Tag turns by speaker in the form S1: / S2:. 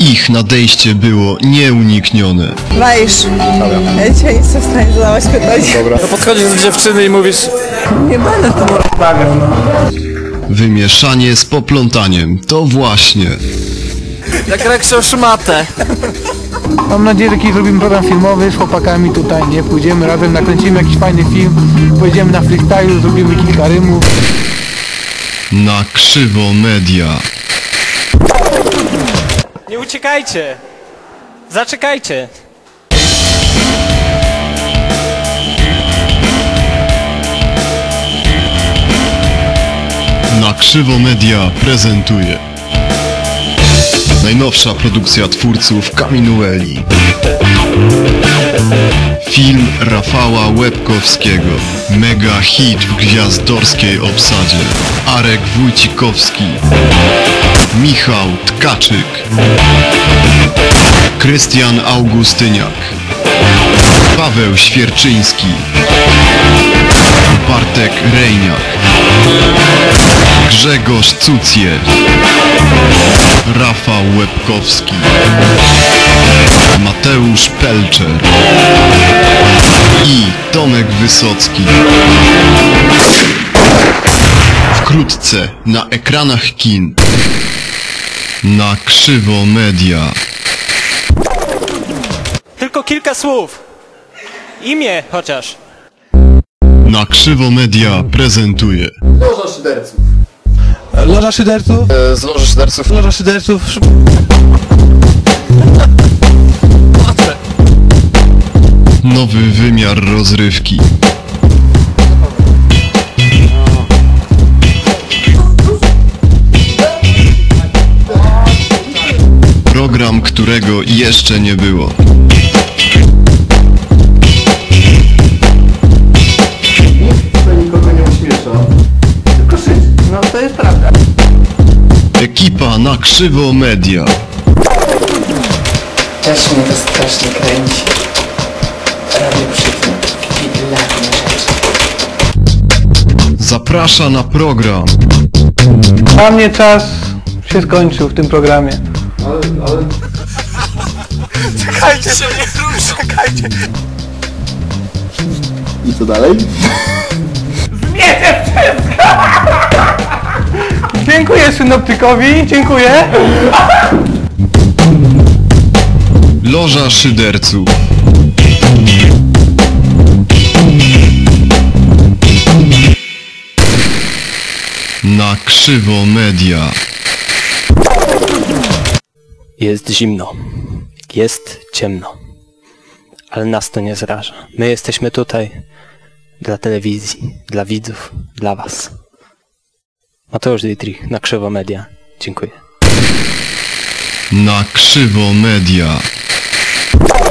S1: Ich nadejście było nieuniknione.
S2: Wajsz, ja dzisiaj nie jestem w stanie zadawać pytań.
S3: Dobra. To podchodzisz do dziewczyny i mówisz...
S2: Nie będę tu rozmawiał, no.
S1: Wymieszanie z poplątaniem, to właśnie.
S3: Jak Reksio szmatę.
S4: Mam nadzieję, że kiedyś zrobimy program filmowy z chłopakami tutaj, nie? Pójdziemy razem, nakręcimy jakiś fajny film, pojedziemy na freestyle, zrobimy kilka rymów.
S1: Na krzywo media.
S5: Nie uciekajcie! Zaczekajcie!
S1: Na krzywo media prezentuje najnowsza produkcja twórców Kaminueli. Film Rafała Łebkowskiego. Mega hit w gwiazdorskiej obsadzie. Arek Wójcikowski, Michał Tkaczyk, Krystian Augustyniak, Paweł Świerczyński, Bartek Rejniak, Grzegorz Cucjel, Rafał Łebkowski, Mateusz Pelczer i Tomek Wysocki. Wkrótce na ekranach kin. Na krzywo media.
S5: Tylko kilka słów! Imię chociaż!
S1: Na krzywo media prezentuje
S3: Loża szyderców.
S4: Loża szyderców?
S3: Z Loży szyderców.
S4: Loża szyderców.
S1: nowy wymiar rozrywki. Program, którego jeszcze nie było.
S3: Nikogo nie uśmiesza. Tylko szyć.
S2: No to jest prawda.
S1: Ekipa na krzywo media.
S2: Też mnie to strasznie kręci. Robię przypnę takie rzeczy.
S1: Zaprasza na program.
S4: Dla mnie czas się skończył w tym programie.
S3: Ale...
S5: Czekajcie się, nie rusz, czekajcie!
S3: I co dalej?
S4: Dziękuję synoptykowi, dziękuję.
S1: Loża szyderców. Na krzywo media.
S5: Jest zimno. Jest ciemno. Ale nas to nie zraża. My jesteśmy tutaj dla telewizji, dla widzów, dla was. Mateusz Dietrich, na krzywo media. Dziękuję.
S1: Na krzywo media.